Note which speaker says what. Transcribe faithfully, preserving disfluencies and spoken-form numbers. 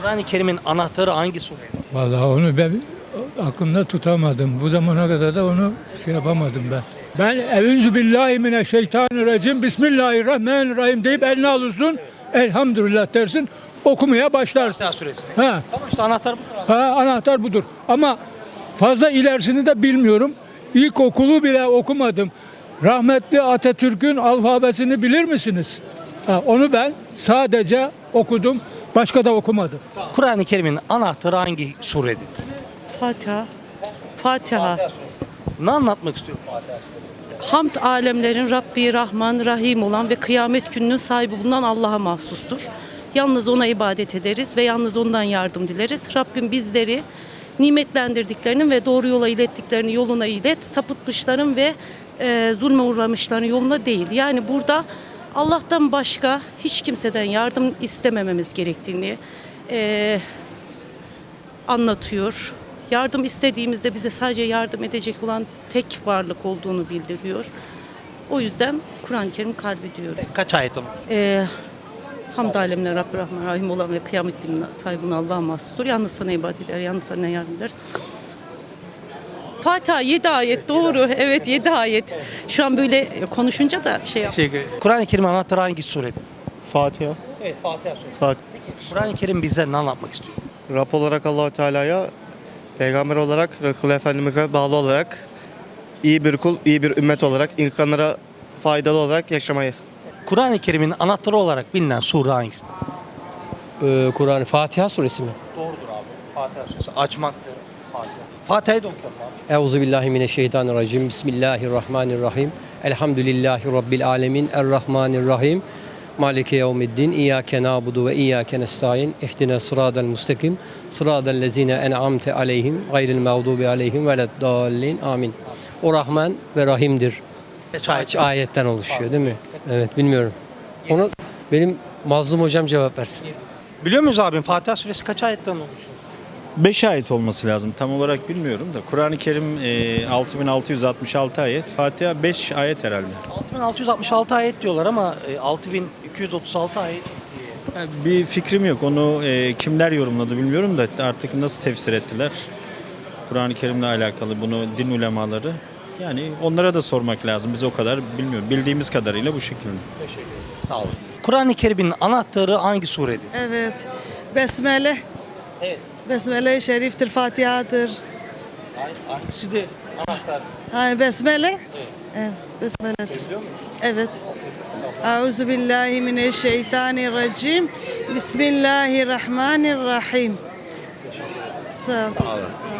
Speaker 1: Kur'an-ı Kerim'in anahtarı hangi sure?
Speaker 2: Vallahi onu ben aklımda tutamadım. Bu zamana kadar da onu şey yapamadım ben. Ben Eûzü billahi mineşşeytanirracim Bismillahirrahmanirrahim deyip eline alıyorsun. Elhamdülillah dersin. Okumaya başlarsın.
Speaker 1: Fatiha suresi.
Speaker 2: Ha,
Speaker 1: Tamam işte anahtar bu.
Speaker 2: ha, anahtar budur. Ama fazla ilerisini de bilmiyorum. İlkokulu bile okumadım. Rahmetli Atatürk'ün alfabesini bilir misiniz? Ha, onu ben sadece okudum. Başka da okumadım.
Speaker 1: Kur'an-ı Kerim'in anahtarı hangi suredir?
Speaker 3: Fatiha. Fatiha.
Speaker 1: Ne anlatmak istiyor Fatiha suresi?
Speaker 3: Hamd alemlerin Rabbi, Rahman, Rahim olan ve kıyamet gününün sahibi bulunan Allah'a mahsustur. Yalnız ona ibadet ederiz ve yalnız ondan yardım dileriz. Rabbim bizleri nimetlendirdiklerinin ve doğru yola ilettiklerini yoluna ilet, sapıtmışların ve e, zulme uğramışların yoluna değil. Yani burada Allah'tan başka hiç kimseden yardım istemememiz gerektiğini e, anlatıyor. Yardım istediğimizde bize sadece yardım edecek olan tek varlık olduğunu bildiriyor. O yüzden Kur'an-ı Kerim kalbi diyor.
Speaker 1: Kaç ayet var?
Speaker 3: Ee, Hamd alemine Rabbi Rahman Rahim olan ve kıyamet gününe sahibine Allah'a mahsustur. Yalnız sana ibadet eder, yalnız sana yardım eder. Fatiha yedi ayet doğru. Evet yedi ayet. Şu an böyle konuşunca da şey yap.
Speaker 1: Şey, Kur'an-ı Kerim'in anahtarı hangi suredir?
Speaker 4: Fatiha.
Speaker 1: Evet Fatiha suresi.
Speaker 4: Fat
Speaker 1: Kur'an-ı Kerim bize ne anlatmak istiyor?
Speaker 4: Rab olarak Allah-u Teala'ya, peygamber olarak Resulullah Efendimiz'e bağlı olarak, iyi bir kul, iyi bir ümmet olarak, insanlara faydalı olarak yaşamayı.
Speaker 1: Kur'an-ı Kerim'in anahtarı olarak bilinen sure hangisi?
Speaker 5: Ee, Kur'an Fatiha suresi mi?
Speaker 1: Doğrudur abi. Fatiha suresi. Açmaktır. Fatiha. Fatiha'yı da okuyalım abi.
Speaker 5: Euzubillahimineşşeytanirracim. Bismillahirrahmanirrahim. Elhamdülillahi Rabbil alemin. Errahmanirrahim. Maliki yevmiddin. İyyâke nâbudu ve iyyâke nestaîn. İhdina sıradel mustakim. Sıradel lezîne en'amte aleyhim. Gayril mağdubi aleyhim veleddâllin. Amin. O Rahman ve Rahim'dir.
Speaker 1: Kaç ayet?
Speaker 5: Kaç ayetten oluşuyor değil mi? Evet bilmiyorum. Onu benim Mazlum hocam cevap versin.
Speaker 1: Biliyor muyuz abim Fatiha suresi kaç ayetten oluşuyor?
Speaker 6: beş ayet olması lazım. Tam olarak bilmiyorum da. Kur'an-ı Kerim e, altı bin altı yüz altmış altı ayet. Fatiha beş ayet herhalde.
Speaker 1: altı bin altı yüz altmış altı ayet diyorlar ama e, altı bin iki yüz otuz altı ayet.
Speaker 6: Yani bir fikrim yok. Onu e, kimler yorumladı bilmiyorum da artık nasıl tefsir ettiler. Kur'an-ı Kerim'le alakalı bunu din ulemaları. Yani onlara da sormak lazım. Biz o kadar bilmiyorum. Bildiğimiz kadarıyla bu şekilde.
Speaker 1: Sağ olun. Kur'an-ı Kerim'in anahtarı hangi suredir?
Speaker 7: Evet. Besmele.
Speaker 1: Evet.
Speaker 7: Besmele-i Şerif'tir, Fatiha'dır.
Speaker 1: Hangisi de anahtar?
Speaker 7: Ha, besmele? Evet. Evet, besmeledir. Evet. Euzu billahi mineşşeytanirracim. Bismillahirrahmanirrahim. Sağ ol.